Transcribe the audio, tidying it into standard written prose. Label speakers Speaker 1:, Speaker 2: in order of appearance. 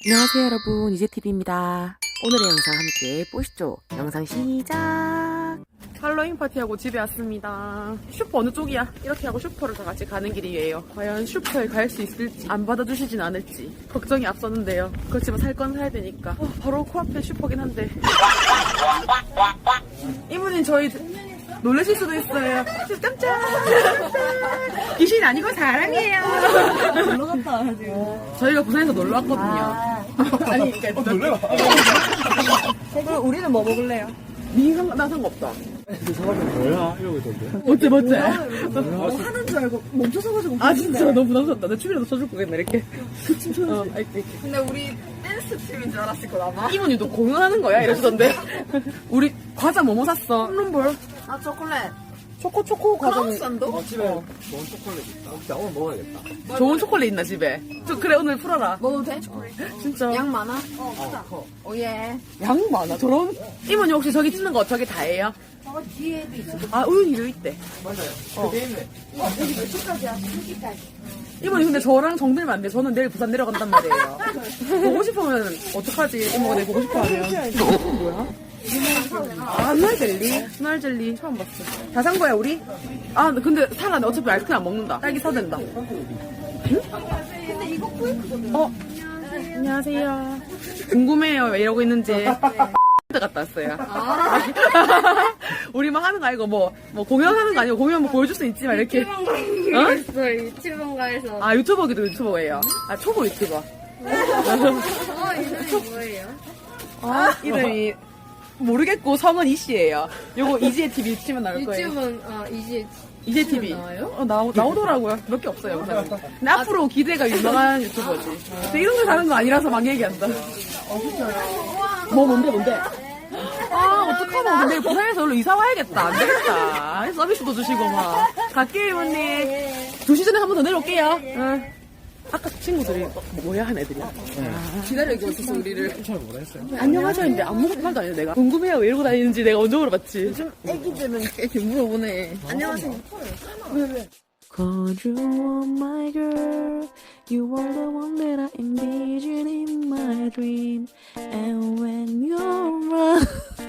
Speaker 1: 안녕하세요 여러분, 이재TV입니다. 오늘의 영상 함께 보시죠. 영상 시작. 할로윈 파티하고 집에 왔습니다. 슈퍼 어느 쪽이야? 이렇게 하고 슈퍼를 다 같이 가는 길이에요. 과연 슈퍼에 갈 수 있을지 안 받아주시진 않을지 걱정이 앞섰는데요. 그렇지만 살 건 사야 되니까 바로 코앞에 슈퍼긴 한데 이분이 저희 놀라실 수도 있어요. 깜짝 귀신 아니고 사람이에요.
Speaker 2: 놀러 갔다 와가지고.
Speaker 1: 저희가 부산에서 놀러 왔거든요. 아니 그러니까
Speaker 3: 놀래라.
Speaker 2: 그럼 우리는 뭐 먹을래요?
Speaker 1: 나 상관없다.
Speaker 3: 사람이 뭐야? 이러고 있던데.
Speaker 1: 어째
Speaker 2: 뭐 하는 줄 알고 멈춰서가지고.
Speaker 1: 아 진짜 너무 부담스럽다. 내 춤이라도 쳐줄 거겠네 이렇게. 그 춤 춰줘. 이렇게.
Speaker 2: 근데 우리 댄스 팀인 줄 알았을 거다 아마.
Speaker 1: 이모님도 공연하는 거야 이러시던데. 우리 과자 뭐뭐 샀어? 홈런볼.
Speaker 2: 아 초콜릿.
Speaker 1: 초코 과자는
Speaker 2: 크라우산도?
Speaker 3: 집에 좋은 초콜릿 있다. 진짜 오늘 먹어야겠다.
Speaker 1: 좋은 초콜릿 있나 집에? 그래 오늘 풀어라.
Speaker 2: 먹어도 돼?
Speaker 1: 진짜
Speaker 2: 양 많아? 오예.
Speaker 1: 양 많아. 저런 이모님 혹시 저기 찍는 거 저기 다예요?
Speaker 2: 뒤에도 있어.
Speaker 1: 아 우윤이도 있대.
Speaker 3: 맞아요. 그게 있네.
Speaker 2: 여기 몇 시까지야? 2시까지.
Speaker 1: 이모님 근데 저랑 정들면 안 돼. 저는 내일 부산 내려간단 말이에요. 보고 싶으면 어떡하지? 이모가 내일 보고 싶어하면. 뭐야? 아, 눈알 젤리? 눈알 젤리 처음 봤어. 다 산 거야, 우리? 아, 근데 사라. 어차피 아이스크림 안 먹는다. 딸기 사야 된다. 응?
Speaker 2: 근데 이거 포인트거든.
Speaker 1: 안녕하세요. 궁금해요, 왜 이러고 있는지. 갔다 왔어요. 우리 막 하는 거 아니고 뭐 공연하는 거 아니고 공연 뭐 보여줄 수 있지만 이렇게.
Speaker 2: 있어 유튜브인가에서.
Speaker 1: 아, 유튜버기도 유튜버예요. 아, 초보 유튜버.
Speaker 2: 이름이 뭐예요?
Speaker 1: 이름이 모르겠고 성은 이씨예요. 요거 이지혜 TV 치면 나올 거예요.
Speaker 2: 유튜브는
Speaker 1: 이제 TV
Speaker 2: 나와요?
Speaker 1: 나오더라고요. 몇 개 없어요. 영상이. 근데 앞으로 기대가 유명한 유튜버지. 근데 이런 거 다른 거 아니라서 막 얘기한다. 뭔데? 아 어떡하나. 근데 부산에서 원래 이사 와야겠다. 안 되겠다. 서비스도 주시고 막. 갈게요 이모님. 2시 전에 한 번 더 내려올게요. 응. 아까 친구들이 뭐야 한 애들이야. 기다리고 있었어 우리를.
Speaker 3: 잘 모르겠어요.
Speaker 1: 안녕하죠 했는데 아무것도 말도 안 해요 내가. 궁금해요 왜 이러고 다니는지 내가 언제 물어봤지. 요즘 애기들은 이렇게 물어보네.
Speaker 2: 안녕하세요.
Speaker 1: 왜? Cause you are my girl, you are the one that I envision in my dream, and when you're around